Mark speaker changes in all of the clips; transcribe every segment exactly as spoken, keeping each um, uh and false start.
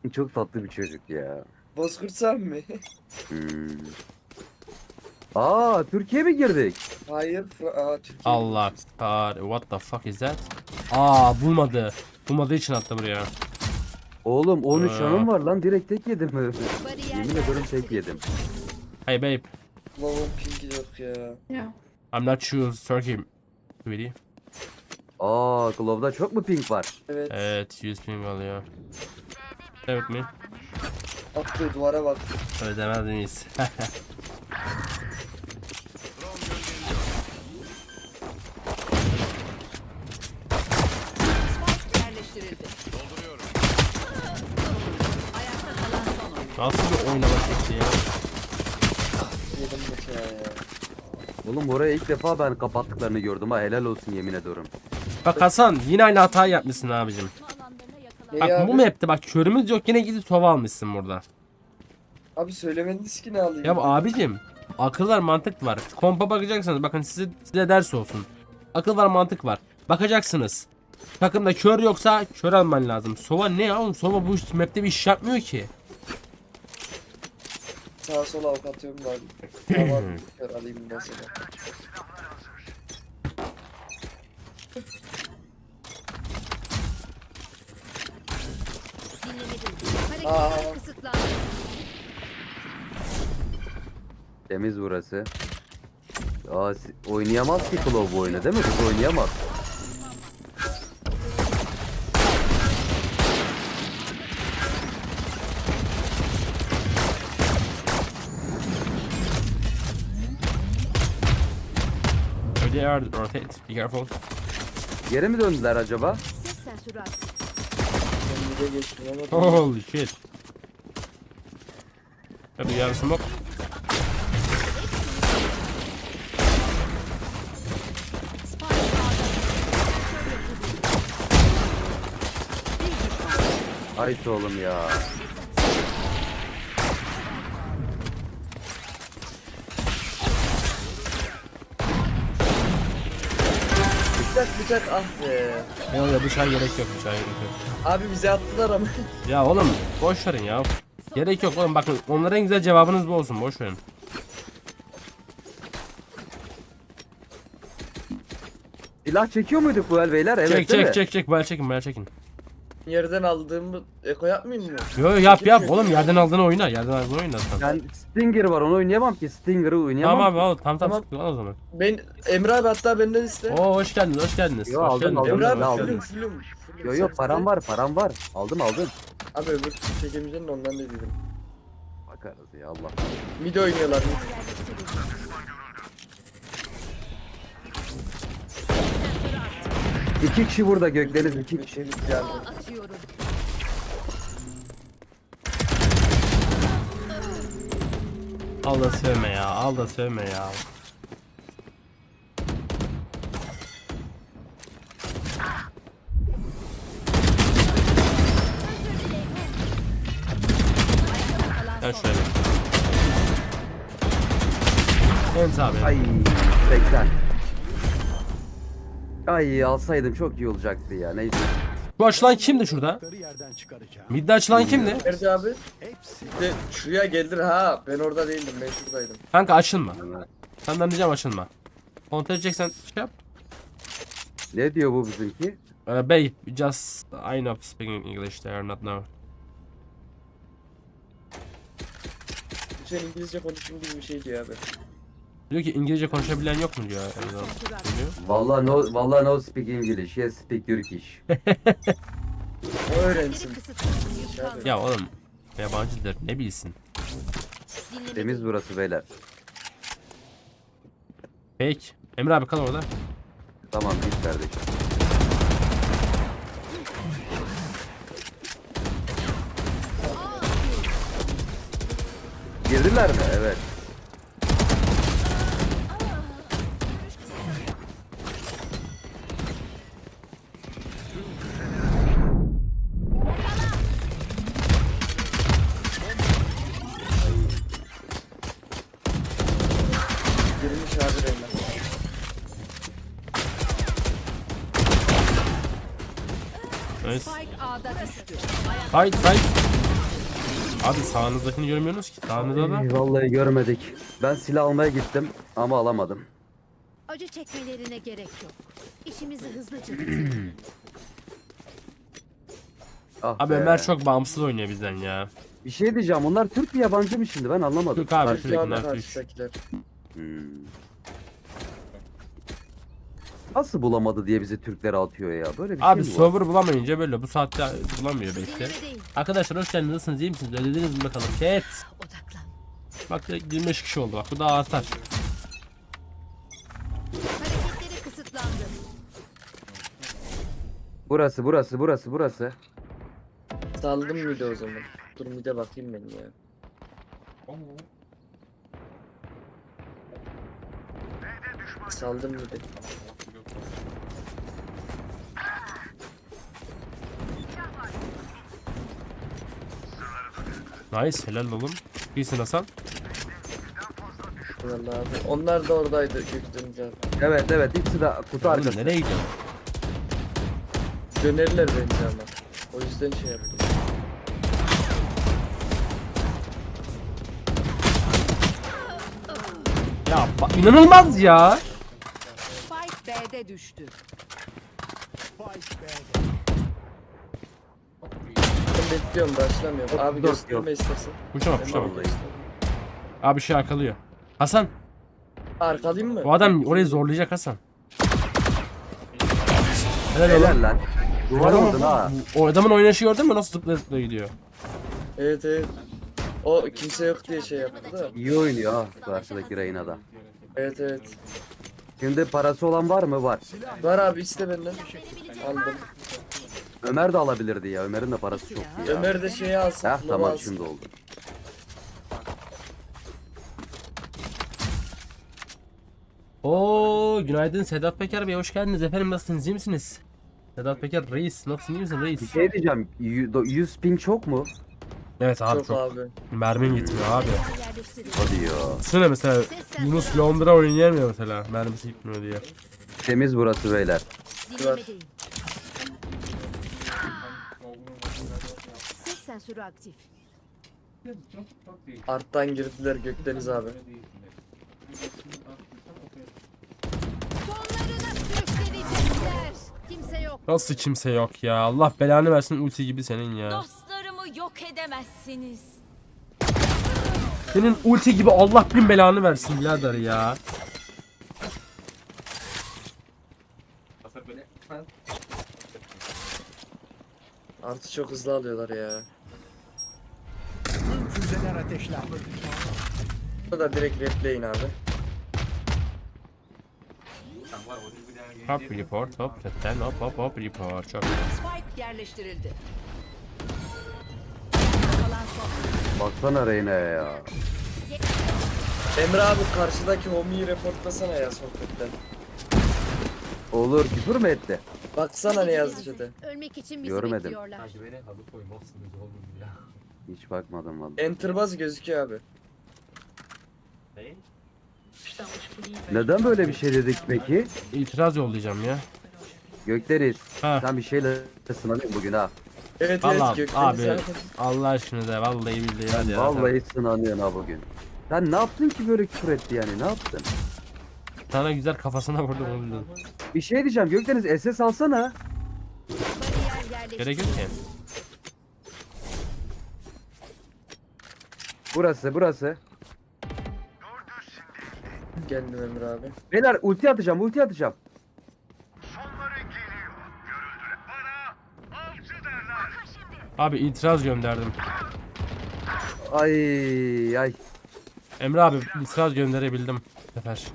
Speaker 1: Çok tatlı bir çocuk ya.
Speaker 2: Bozkurt sen mi?
Speaker 1: Hmm. Aa, Türkiye mi girdik?
Speaker 2: Hayır. Fra- Aa, Türkiye
Speaker 3: Allah
Speaker 2: girmişiz.
Speaker 3: kar. What the fuck is that? Aa bulmadı. Bulmadığı için attı buraya.
Speaker 1: Oğlum on üç
Speaker 3: Aa.
Speaker 1: canım var lan, direkt tek yedim. Yemin ederim tek yedim.
Speaker 3: Hey babe.
Speaker 2: Lavon pinki yok ya.
Speaker 4: Yeah.
Speaker 3: I'm not choose Turkey. Really?
Speaker 1: Aa, Glove'da çok mu pink var?
Speaker 2: Evet.
Speaker 3: Evet, yüz ping alıyor. Evet mi?
Speaker 2: Attığı duvara bak.
Speaker 3: Ödemez miyiz?
Speaker 5: Yerleştirildi. Ayakta kalan son oyun.
Speaker 3: Nasıl bir oynama şekli ya?
Speaker 2: Yedim bu ya ya.
Speaker 1: Oğlum oraya ilk defa ben kapattıklarını gördüm ha, helal olsun yemin ediyorum.
Speaker 3: Bak Hasan yine aynı hatayı yapmışsın abicim.
Speaker 2: Ne
Speaker 3: Bak
Speaker 2: ya
Speaker 3: bu
Speaker 2: abi?
Speaker 3: map'te bak körümüz yok yine gidip sova almışsın burada.
Speaker 2: Abi söylemediniz ki ne alayım?
Speaker 3: Ya abicim akıl var mantık var. Kompa bakacaksınız bakın size, size ders olsun. Akıl var mantık var. Bakacaksınız. Takımda kör yoksa kör alman lazım. Sova ne ya oğlum? Sova bu iş- map'te bir iş yapmıyor ki.
Speaker 2: Sağa sola ok atıyorum ben. Tamam. Kör alayım mesela. Aa.
Speaker 5: Hareketler kısıtlandı.
Speaker 1: Temiz burası. Aa, si- oynayamaz ki Glove bu oyunu değil mi? Kız oynayamaz.
Speaker 3: They are rotate. Be careful.
Speaker 1: Geri mi döndüler acaba?
Speaker 5: Ses sensörü aktif.
Speaker 2: Ben bir de geçtim ama.
Speaker 3: Holy shit. Hadi yarın smoke.
Speaker 5: Spike A'da.
Speaker 1: Ay oğlum ya.
Speaker 2: Bıçak bıçak ah be.
Speaker 3: Yok ya bıçağa gerek yok bıçağa gerek yok.
Speaker 2: Abi bize attılar ama.
Speaker 3: Ya oğlum boş verin ya. Gerek yok oğlum bakın onlara en güzel cevabınız bu olsun boş verin.
Speaker 1: Silah çekiyor muyduk bu el beyler? Evet
Speaker 3: çek
Speaker 1: değil mi?
Speaker 3: çek çek çek böyle çekin böyle çekin.
Speaker 2: Yerden aldığımı eko yapmayayım mı?
Speaker 3: Yo yo, yap yap oğlum yerden aldığını oyna yerden aldığını oyna sen.
Speaker 1: Ben Stinger var, onu oynayamam ki. Stinger'ı oynayamam.
Speaker 3: Tamam abi al tam tam
Speaker 2: Tamam.
Speaker 3: sıkıntı al o zaman.
Speaker 2: Ben Emre abi hatta benden iste.
Speaker 3: Oo hoş geldiniz hoş geldiniz.
Speaker 1: Yo,
Speaker 3: hoş
Speaker 1: aldım,
Speaker 3: geldiniz.
Speaker 1: aldım,
Speaker 2: Emre
Speaker 1: ben
Speaker 2: abi
Speaker 1: aldım.
Speaker 2: fulüm fulüm. fulüm.
Speaker 1: Yo yo,
Speaker 2: Sen
Speaker 1: param
Speaker 2: iste.
Speaker 1: var, param var. Aldım aldım.
Speaker 2: Abi öbür türlü çekemeyeceksin de ondan dedim.
Speaker 1: Bakarız ya Allah.
Speaker 2: Mid oynuyorlar mid.
Speaker 1: İki kişi burada Gökdeniz, iki kişi.
Speaker 2: Mid geldi.
Speaker 5: atıyorum.
Speaker 3: Al da sövme ya al da sövme ya. Gel şöyle. Evet abi.
Speaker 1: Ay seksen. Ay alsaydım çok iyi olacaktı ya, neyse.
Speaker 3: Bu açılan kimdi şurada? Midde açılan kimdi?
Speaker 2: Nerede abi? İşte şuraya gelir ha. Ben orada değildim. Ben şuradaydım.
Speaker 3: Kanka açılma. Senden diyeceğim açılma. Kontrol edeceksen şey yap.
Speaker 1: Ne diyor bu bizimki?
Speaker 3: Uh, babe, just I know speaking English there, not now.
Speaker 2: Lütfen İngilizce konuşun gibi bir şey diyor abi.
Speaker 3: Diyor ki İngilizce konuşabilen yok mu diyor. Erdoğan. Diyor.
Speaker 1: Vallahi no, vallahi no speak English, yes speak Turkish.
Speaker 2: O öğrensin.
Speaker 5: Kısıtlandı.
Speaker 3: Ya oğlum yabancıdır ne bilsin.
Speaker 1: Temiz burası beyler.
Speaker 3: Fake. Emre abi kal orada.
Speaker 1: Tamam git kardeşim. Girdiler mi? Evet.
Speaker 2: Girmiş abi Reyna.
Speaker 3: Nice.
Speaker 5: Spike A'da düştü.
Speaker 3: Fight fight. Abi sağınızdakini görmüyorsunuz ki. Sağınızda da.
Speaker 1: Ey, vallahi görmedik. Ben silah almaya gittim ama alamadım.
Speaker 5: Acı çekmelerine gerek yok. İşimizi hızlıca bitirelim.
Speaker 1: Ah
Speaker 3: Abi
Speaker 1: be.
Speaker 3: Ömer çok bağımsız oynuyor bizden ya.
Speaker 1: Bir şey diyeceğim. Onlar Türk mü yabancı mı şimdi? Ben anlamadım.
Speaker 3: Türk abi
Speaker 2: Türk
Speaker 3: Türk
Speaker 2: abi
Speaker 3: bunlar Türk.
Speaker 2: karşıdakiler.
Speaker 1: Hmm. Nasıl bulamadı diye bizi Türklere atıyor ya. Böyle bir
Speaker 3: Abi
Speaker 1: şey mi var?
Speaker 3: server bulamayınca böyle bu saatte bulamıyor belki.
Speaker 5: Sinirli değil.
Speaker 3: Arkadaşlar hoş geldiniz. Nasılsınız? İyi misiniz? Ödediniz mi bakalım? Chat.
Speaker 5: Odaklan.
Speaker 3: Bak yirmi beş kişi oldu bak. Bu daha artar.
Speaker 5: Hareketleri kısıtlandı.
Speaker 1: Burası burası burası burası.
Speaker 2: Saldım mıydı o zaman? Dur mide bakayım ben ya. Saldım mıydı?
Speaker 3: Nice. Helal oğlum. İyisin Hasan.
Speaker 2: Vallahi abi. Onlar da oradaydı gökdeniz abi.
Speaker 1: Evet evet ikisi de kutu
Speaker 3: Oğlum
Speaker 1: arkası.
Speaker 3: nereye gidiyorsun?
Speaker 2: Dönerler bence ama. O yüzden şey yaptım.
Speaker 3: Ya bak inanılmaz ya.
Speaker 5: Spike B'de düştü.
Speaker 2: Ben bekliyorum başlamıyorum. Abi
Speaker 1: Yok,
Speaker 2: gösterme
Speaker 1: yok.
Speaker 2: istersen.
Speaker 3: Kuşama
Speaker 2: Ben
Speaker 3: kuşama.
Speaker 2: vallahi
Speaker 3: Abi şey arkalıyor. Hasan.
Speaker 2: arkalayayım mı?
Speaker 3: Bu adam orayı zorlayacak Hasan. Helal oğlum.
Speaker 1: Helal lan. Duvar
Speaker 3: Adam-
Speaker 1: vurdun ha.
Speaker 3: O adamın oynayışı gördün mü? Nasıl zıplaya zıplaya gidiyor.
Speaker 2: Evet evet. O kimse yok diye şey yaptı da.
Speaker 1: İyi oynuyor ha karşıdaki Reyna da.
Speaker 2: Evet evet.
Speaker 1: Şimdi parası olan var mı? Var.
Speaker 2: Var abi iste benden. Aldım.
Speaker 1: Ömer de alabilirdi ya. Ömer'in de parası çok iyi ya.
Speaker 2: Ömer de şeyi alsın.
Speaker 1: Heh,
Speaker 2: Lava
Speaker 1: tamam
Speaker 2: alsın.
Speaker 1: şimdi oldu.
Speaker 3: Oo günaydın Sedat Peker Bey, hoş geldiniz efendim, nasılsınız, iyi misiniz? Sedat Peker reis, nasılsın, iyi misin
Speaker 1: Bir
Speaker 3: reis?
Speaker 1: şey diyeceğim. y- yüz ping çok mu?
Speaker 3: Evet abi
Speaker 2: Çok
Speaker 3: çok,
Speaker 2: abi.
Speaker 3: mermim gitmiyor abi.
Speaker 5: Yerleştirin.
Speaker 1: Hadi ya.
Speaker 3: Düşünsene mesela Yunus Londra oynayamıyor mesela, mermisi gitmiyor diye.
Speaker 1: Temiz burası beyler.
Speaker 5: Dinlemedeyim. Ses sensörü aktif.
Speaker 2: Arttan girdiler Gökdeniz abi.
Speaker 5: Sonlarına sürükleyecekler. Kimse yok.
Speaker 3: Nasıl kimse yok ya, Allah belanı versin ulti gibi senin ya.
Speaker 4: Dostlarımı yok edemezsiniz.
Speaker 3: Senin ulti gibi Allah bin belanı versin birader ya.
Speaker 2: Artı çok hızlı alıyorlar ya.
Speaker 6: Füzeler ateşlendi.
Speaker 2: Bu da direkt replay'in abi.
Speaker 3: Hop report, hop chatten, hop hop hop report. Çok
Speaker 5: Spike yerleştirildi. Kalan son.
Speaker 1: Baksana Reyna'ya ya.
Speaker 2: Emre abi karşıdaki homiyi reportlasana ya sohbetten.
Speaker 1: Olur küfür mü etti?
Speaker 2: Baksana ne yazdı chat'e.
Speaker 5: Ölmek için bizi
Speaker 1: Görmedim.
Speaker 5: bekliyorlar.
Speaker 1: Hiç bakmadım vallahi.
Speaker 2: Enter baz gözüküyor abi.
Speaker 1: Neden böyle bir şey dedik peki?
Speaker 3: itiraz yollayacağım ya.
Speaker 1: Gökdeniz.
Speaker 3: Ha.
Speaker 1: Sen bir şeyle sınanıyorsun bugün ha.
Speaker 2: Evet
Speaker 3: Vallahi
Speaker 2: evet Gökdeniz
Speaker 3: abi
Speaker 2: abi.
Speaker 3: Allah aşkına da vallahi billahi hadi ya.
Speaker 1: Vallahi sınanıyorsun ha bugün. Sen ne yaptın ki böyle küfür etti yani ne yaptın?
Speaker 3: Sana güzel kafasına vurdum o yüzden.
Speaker 1: Bir şey diyeceğim Gökdeniz S S alsana.
Speaker 5: Bariyer yerleştirildi.
Speaker 3: Gerek yok ki.
Speaker 1: Burası burası.
Speaker 2: Geldim Emre abi.
Speaker 1: Beyler ulti atacağım ulti atacağım.
Speaker 3: Abi itiraz gönderdim.
Speaker 1: Ay ay.
Speaker 3: Emre abi itiraz gönderebildim bu sefer.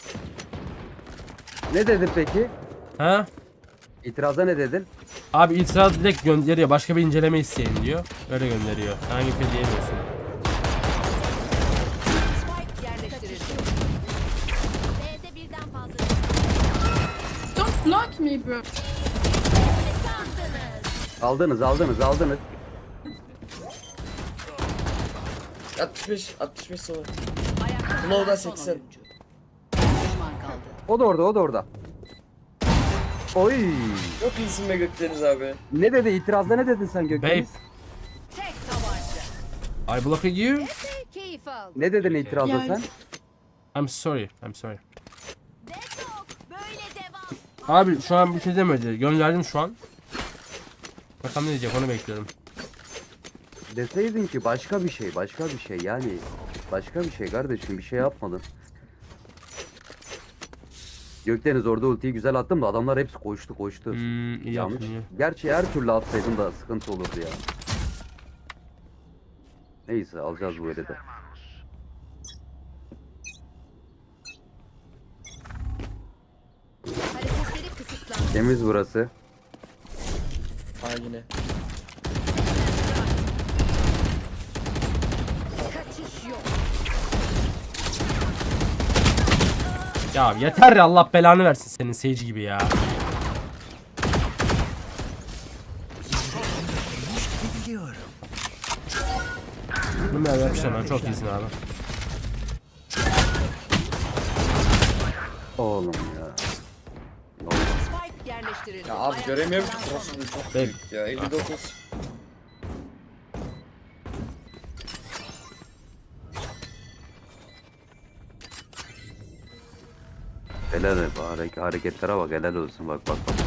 Speaker 1: Ne dedin peki?
Speaker 3: Ha?
Speaker 1: İtiraza ne dedin?
Speaker 3: Abi itiraz direkt gönderiyor. Başka bir inceleme isteyin diyor. Öyle gönderiyor. Hangi bir şey diyemiyorsun.
Speaker 5: Spike yerleştirildi. B'de birden fazla.
Speaker 7: Don't block me, bro.
Speaker 1: Aldınız aldınız aldınız.
Speaker 2: altmış beş altmış beş sonra.
Speaker 5: Ayakta
Speaker 2: Flow'da
Speaker 5: kalan son
Speaker 2: seksen.
Speaker 5: oyuncu. Düşman kaldı.
Speaker 1: O da orada o da orada. Oy.
Speaker 2: Çok iyisin be Gökdeniz abi.
Speaker 1: Ne dedi itirazda ne dedin sen
Speaker 3: Babe.
Speaker 1: Gökdeniz?
Speaker 5: Tek tabanca.
Speaker 3: I blocked you.
Speaker 5: Keyif al.
Speaker 1: Ne dedin itirazda
Speaker 7: Yani-
Speaker 1: sen?
Speaker 3: I'm sorry. I'm sorry.
Speaker 4: Detok böyle devam.
Speaker 3: Abi şu an bir şey demedi. Gönderdim şu an. Bakalım ne diyecek onu bekliyorum.
Speaker 1: Deseydin ki başka bir şey, başka bir şey yani. Başka bir şey kardeşim, bir şey yapmadın. Gökdeniz orada ultiyi güzel attım da adamlar hepsi koştu koştu.
Speaker 3: Hmm, iyi
Speaker 1: Yanlış.
Speaker 3: yaptın iyi.
Speaker 1: Gerçi her türlü atsaydın da sıkıntı olurdu ya. Neyse alacağız bu eli de.
Speaker 5: Hareketleri kısıtlandı.
Speaker 1: Temiz burası.
Speaker 2: Ha yine.
Speaker 5: Kaçış yok.
Speaker 3: Ya yeter ya, Allah belanı versin senin seyirci gibi ya. Bunu ben yapmışım, ben çok iyisin abi.
Speaker 1: Oğlum ya. Ne oldu?
Speaker 5: Spike yerleştirildi.
Speaker 2: Ya abi
Speaker 5: Ayakta
Speaker 2: göremiyorum ki
Speaker 5: kalan son
Speaker 2: cross'unu çok
Speaker 3: Bek.
Speaker 2: büyük ya. elli dokuz.
Speaker 1: Helal et, harek- hareketlere bak, helal olsun, bak bak bak.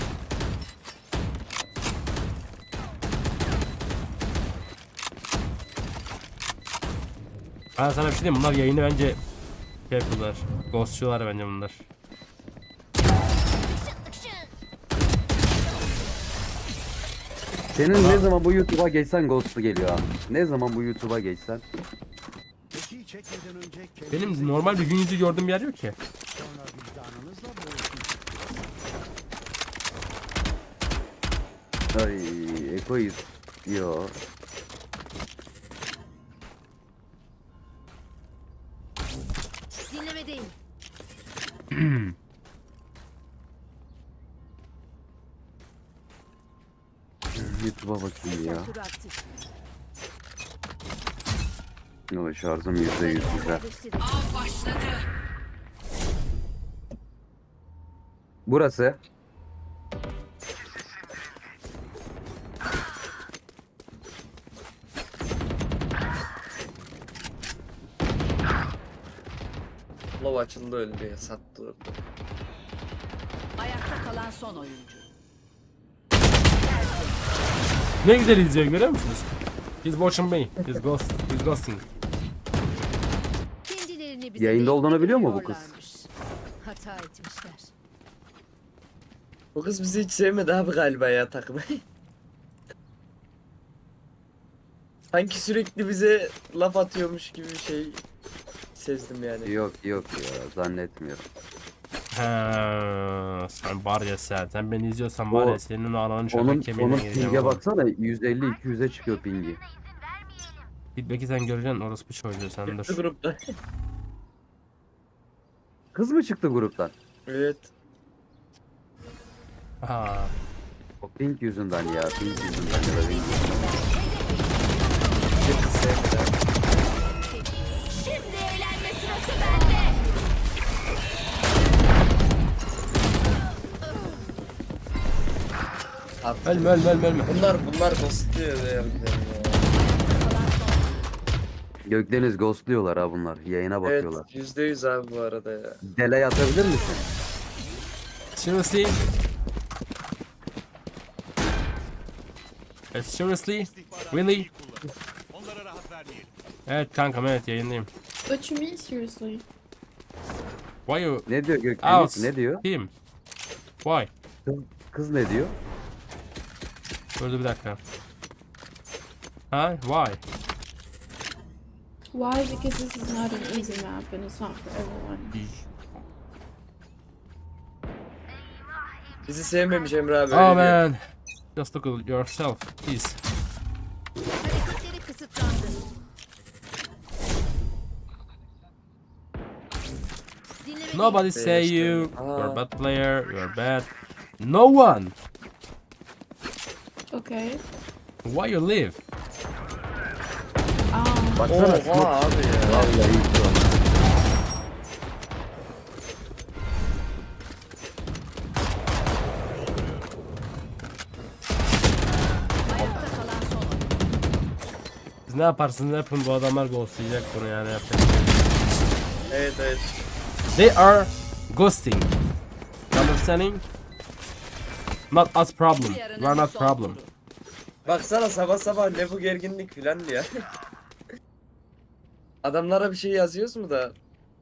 Speaker 3: Ben sana bir şey diyeyim, bunlar yayını bence şey yapıyorlar. Ghostçular bence bunlar.
Speaker 1: Senin ne zaman bu YouTube'a geçsen Ghost'u geliyor ha. Ne zaman bu YouTube'a geçsen.
Speaker 6: Peki çekmeden önce
Speaker 3: Benim normal bir gün yüzü gördüğüm yer yok ki.
Speaker 6: sonra vicdanınızla boğuşun.
Speaker 1: Ay Eko'yu yo.
Speaker 5: dinlemedeyim.
Speaker 1: YouTube'a bakayım ya.
Speaker 5: Sensörü aktif.
Speaker 1: O şarjım yüzde yüz güzel.
Speaker 5: Yerleştirildi.
Speaker 1: Burası.
Speaker 2: Love açıldı öldü ya, sattı orada.
Speaker 5: Ayakta kalan son oyuncu.
Speaker 3: Ne güzel izliyor, görüyor musunuz? He's watching me. He's ghost. He's ghosting.
Speaker 5: Kendilerini bize
Speaker 1: Yayında
Speaker 5: denk
Speaker 1: olduğunu biliyor mu bu kız?
Speaker 5: getiriyorlarmış. Hata etmişler.
Speaker 2: Bu kız bizi hiç sevmedi abi galiba ya, takmayı. Sanki sürekli bize laf atıyormuş gibi bir şey sezdim yani.
Speaker 1: Yok yok ya, zannetmiyorum.
Speaker 3: Ha, sen var ya sen. Sen beni izliyorsan var ya,
Speaker 1: O-
Speaker 3: senin o ananın
Speaker 1: Onun,
Speaker 3: şöyle kemiğine
Speaker 1: onun
Speaker 3: gireceğim.
Speaker 1: pinge
Speaker 3: oğlum.
Speaker 1: baksana, yüz elli iki yüze çıkıyor pingi.
Speaker 3: Git belki sen göreceksin, orası bir çocuğu sen
Speaker 2: Çıktı
Speaker 3: dur.
Speaker 2: grupta.
Speaker 1: Kız mı çıktı gruptan?
Speaker 2: Evet.
Speaker 3: Ha.
Speaker 1: O pink yüzünden ya, pink yüzünden ya da pink yüzünden.
Speaker 2: Bir kız sevmedi abi.
Speaker 4: Şimdi eğlenme sırası bende.
Speaker 2: Attı.
Speaker 3: Ölme ölme ölme ölme.
Speaker 2: Bunlar bunlar ghostluyor ya harbiden ya.
Speaker 1: Gökdeniz ghostluyorlar ha bunlar. Yayına bakıyorlar.
Speaker 2: Evet, yüzde yüz abi bu arada ya.
Speaker 1: Delay atabilir misin?
Speaker 3: Seriously? Eh, seriously? Really? Evet kankam, evet yayındayım.
Speaker 7: What you mean seriously?
Speaker 3: Why you
Speaker 1: Ne diyor Gökdeniz?
Speaker 3: out?
Speaker 1: Ne diyor?
Speaker 3: Him? Why?
Speaker 1: Kız, kız ne diyor?
Speaker 3: Dur bir dakika. Ha? Why?
Speaker 7: Why? Because this is not an easy map and it's not for everyone.
Speaker 2: Bizi sevmemiş Emre abi.
Speaker 3: Oh
Speaker 2: öyle diyor.
Speaker 3: man. Just look at yourself, please.
Speaker 5: Hareketleri kısıtlandı. Dinlemedeyim.
Speaker 3: Nobody say
Speaker 2: işte.
Speaker 3: you.
Speaker 2: Aa.
Speaker 3: You're a bad player. You're bad. No one.
Speaker 7: Okay.
Speaker 3: Why you leave?
Speaker 7: Um,
Speaker 1: Baksana.
Speaker 2: Oha abi ya.
Speaker 1: Vallahi iyi şu an.
Speaker 5: Ayakta kalan son oyuncu.
Speaker 3: Siz ne yaparsınız yapın, bu adamlar ghostlayacak bunu yani. Yapacak bir şey yok.
Speaker 2: Evet evet.
Speaker 3: They are ghosting. Understanding? Not us problem. We are not problem.
Speaker 2: Baksana sabah sabah ne bu gerginlik filan ya. Adamlara bir şey yazıyoruz mu da?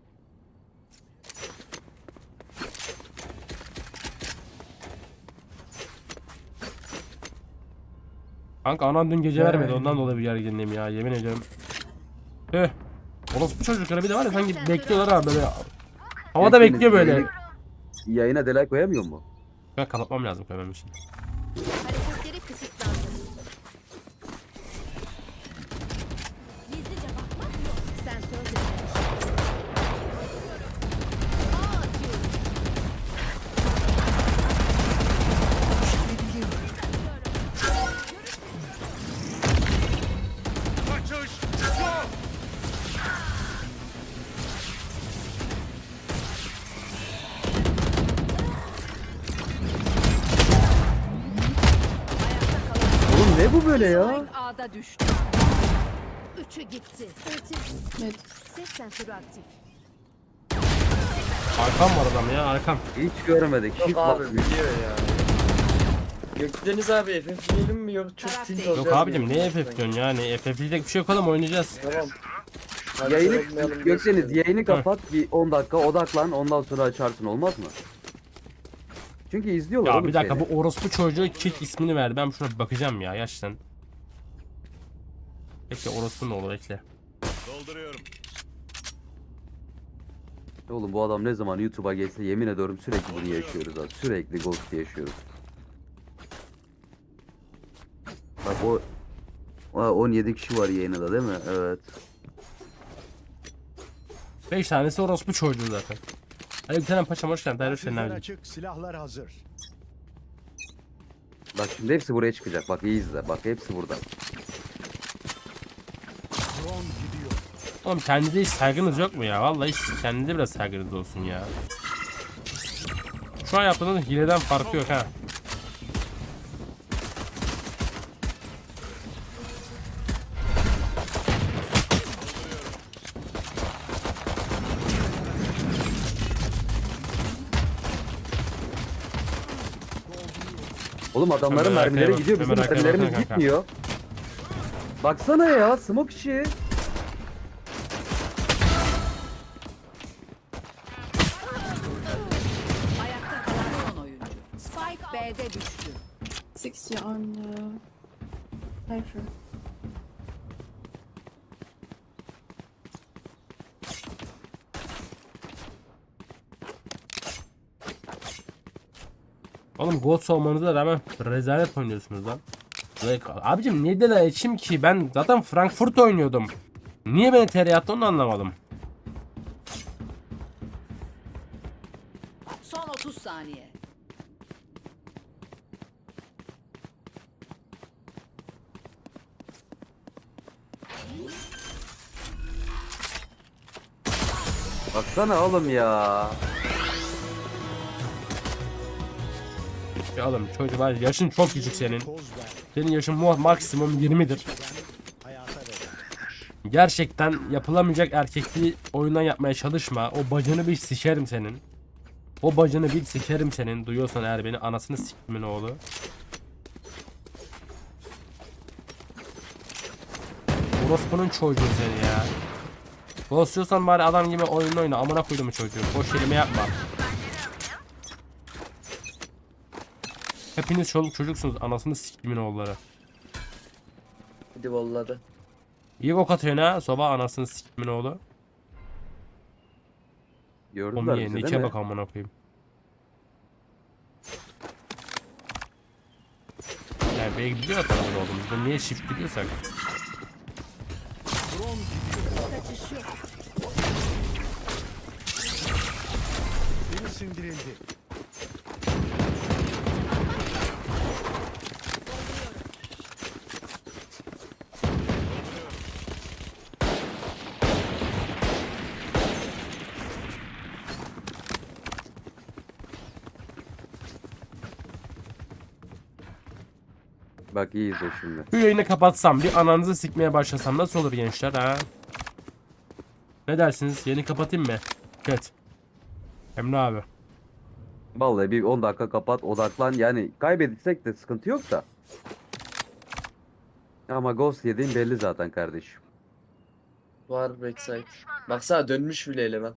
Speaker 3: Kanka anan dün gece vermedi, ondan dolayı bir gerginliğim ya, yemin ediyorum. Tüh. Orası bu çocuklara bir de var ya sanki bekliyorlar ha böyle. Havada
Speaker 1: Hepiniz
Speaker 3: bekliyor böyle.
Speaker 1: yayını- Yayına delay koyamıyor mu?
Speaker 3: Ben kapatmam lazım koymam için.
Speaker 5: Hareketleri kısıtlandı. Gizlice bakmak yok. Sensör denemiş. Ağ atıyorum.
Speaker 1: Oğlum ne bu böyle ya?
Speaker 5: Spike A'da düştü. Üçü gitti. Ultim.
Speaker 7: Evet.
Speaker 5: Ses sensörü aktif.
Speaker 3: Arkam var adam ya, arkam.
Speaker 1: Hiç görmedik.
Speaker 2: Yok
Speaker 1: Hiç
Speaker 2: abi
Speaker 1: bak-
Speaker 2: biliyor ya. Gökdeniz abi F F diyelim mi yok çok tilt olacağız.
Speaker 3: Yok abicim
Speaker 2: diye.
Speaker 3: ne F F diyorsun yani, F F'lik bir şey yok oğlum, oynayacağız.
Speaker 2: Tamam. Hadi
Speaker 1: Yayını
Speaker 2: sormayalım
Speaker 1: Gökdeniz
Speaker 2: diyorsun.
Speaker 1: yayını kapat bir on dakika odaklan ondan sonra açarsın olmaz mı? Çünkü izliyorlar
Speaker 3: Ya
Speaker 1: oğlum
Speaker 3: bir dakika,
Speaker 1: seni.
Speaker 3: bu orospu çocuğu kick ismini verdi, ben şuna bir bakacağım ya gerçekten. Bekle, orospu ne olur, bekle.
Speaker 1: Oğlum bu adam ne zaman YouTube'a geçse yemin ediyorum sürekli bunu yaşıyoruz abi. Sürekli ghost yaşıyoruz. Bak o Aa, on yedi kişi var yayında değil mi? Evet.
Speaker 3: beş tanesi orospu çocuğu zaten. Hadi bir tane paşam hoş geldin. Tarif senin
Speaker 6: Arşivler
Speaker 3: abicim.
Speaker 6: açık, silahlar hazır.
Speaker 1: Bak şimdi hepsi buraya çıkacak. Bak iyi izle. Bak hepsi burada.
Speaker 6: Drone gidiyor.
Speaker 3: Oğlum kendinize hiç saygınız yok mu ya? Vallahi hiç kendinize biraz saygınız olsun ya. Şu an yaptığınız hileden farkı yok ha.
Speaker 1: Oğlum adamların
Speaker 3: Hemen arkaya
Speaker 1: mermileri
Speaker 3: bak,
Speaker 1: gidiyor. Bizim
Speaker 3: hemen arkaya
Speaker 1: mermilerimiz
Speaker 3: baksana kanka.
Speaker 1: gitmiyor. Baksana ya smoke işi.
Speaker 8: Ayakta kalan son oyuncu. Spike B'de düştü.
Speaker 7: sixty on uh, Cypher.
Speaker 3: Oğlum ghost olmanıza rağmen rezalet oynuyorsunuz lan. Böyle- Abicim niye de içim ki? Ben zaten Frankfurt oynuyordum. Niye beni T R attı onu anlamadım.
Speaker 8: Son otuz saniye.
Speaker 1: Baksana oğlum ya.
Speaker 3: Ya oğlum çocuk var, yaşın çok küçük senin.
Speaker 6: Poz ver.
Speaker 3: Senin yaşın mu- maksimum yirmidir.
Speaker 6: Hayata ver.
Speaker 3: Gerçekten yapılamayacak erkekliği oyundan yapmaya çalışma. O bacını bir sikerim senin. O bacını bir sikerim senin. Duyuyorsan eğer beni, anasını sikimin oğlu. Orospu'nun çocuğu seni ya. Bozuyorsan bari adam gibi oyun oyna. Amına koydum çocuğu. Boş kelime yapma. Hepiniz çoluk çocuksunuz. Anasını sikimin oğulları.
Speaker 2: Hadi valladı.
Speaker 3: İyi ok atıyorsun ha. Soba anasını sikimin oğlu.
Speaker 1: Gördüler
Speaker 3: Omiye
Speaker 1: bizi değil
Speaker 3: nike
Speaker 1: mi?
Speaker 3: bak amına koyayım. Yani belki biliyor tarafında olduğumuzu. Ben niye shift biliyorsak.
Speaker 6: Drone gidiyor.
Speaker 5: Kaçış yok.
Speaker 6: Biri sindirildi.
Speaker 1: Bak iyi izle şimdi.
Speaker 3: Bu yayını kapatsam bir ananızı sikmeye başlasam nasıl olur gençler ha? Ne dersiniz? Yayını kapatayım mı? Evet. Emre abi.
Speaker 1: Vallahi bir on dakika kapat, odaklan. Yani kaybedirsek de sıkıntı yok da. Ama Ghost yediğin belli zaten kardeşim.
Speaker 2: Var backside. Baksana dönmüş bile eleman.